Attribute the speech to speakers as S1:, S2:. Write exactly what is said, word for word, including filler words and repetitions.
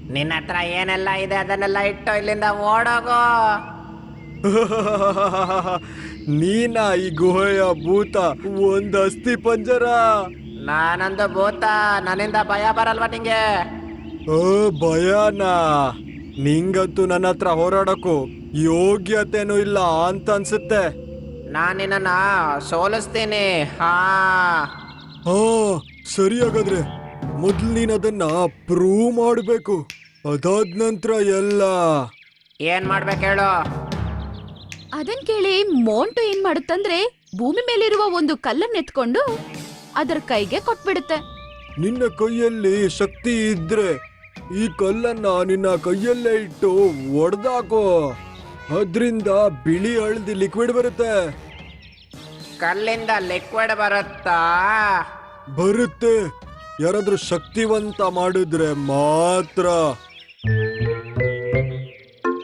S1: ನಿನ್ನ ಹತ್ರ ಏನೆಲ್ಲ ಇದೆ ಅದನ್ನೆಲ್ಲ ಇಟ್ಟು ಇಲ್ಲಿಂದ ಓಡೋಗು.
S2: ನೀನಾ ಈ ಗುಹೆಯ ಭೂತ? ಒಂದ್ ಅಸ್ಥಿ ಪಂಜರ.
S1: ನಾನಂದು ಭೂತ, ನನ್ನಿಂದ ಭಯ ಬರಲ್ವಾ ನಿಂಗೆ?
S2: ಓ ಭಯನಾ? ನಿಂಗಂತೂ ನನ್ನ ಹತ್ರ ಹೋರಾಡಕ್ಕೂ ಯೋಗ್ಯತೆನೂ ಇಲ್ಲ ಅಂತ ಅನ್ಸುತ್ತೆ.
S1: ನಾನು ನಿನ್ನನ್ನ ಸೋಲಿಸ್ತೀನಿ. ಹಾ,
S2: ಹಾ ಸರಿ, ಹಾಗಾದ್ರೆ ಮೊದ್ಲು ನೀನ್ ಅದನ್ನ ಪ್ರೂವ್ ಮಾಡ್ಬೇಕು. ಅದಾದ ನಂತರ ಎಲ್ಲ.
S1: ಏನ್ ಮಾಡ್ಬೇಕು ಹೇಳು?
S3: ಅದನ್ ಕೇಳಿ ಮೋಂಟು ಏನ್ ಮಾಡುತ್ತಂದ್ರೆ ಭೂಮಿ ಮೇಲಿರುವ ಒಂದು ಕಲ್ಲನ್ನ ಎತ್ಕೊಂಡು ಅದರ ಕೈಗೆ ಕೊಟ್ಬಿಡುತ್ತೆ.
S2: ನಿನ್ನ ಕೈಯಲ್ಲಿ ಶಕ್ತಿ ಇದ್ರೆ ಈ ಕಲ್ಲನ್ನ ನಿನ್ನ ಕೈಯಲ್ಲೇ ಇಟ್ಟು ಒಡೆದಾಕೋ. ಅದ್ರಿಂದ ಬಿಳಿ ಹಳದಿ ಲಿಕ್ವಿಡ್ ಬರುತ್ತೆ.
S1: ಕಲ್ಲಿಂದ ಲಿಕ್ವಿಡ್ ಬರುತ್ತಾ?
S2: ಬರುತ್ತೆ, ಯಾರಾದ್ರೂ ಶಕ್ತಿವಂತ ಮಾಡಿದ್ರೆ ಮಾತ್ರ.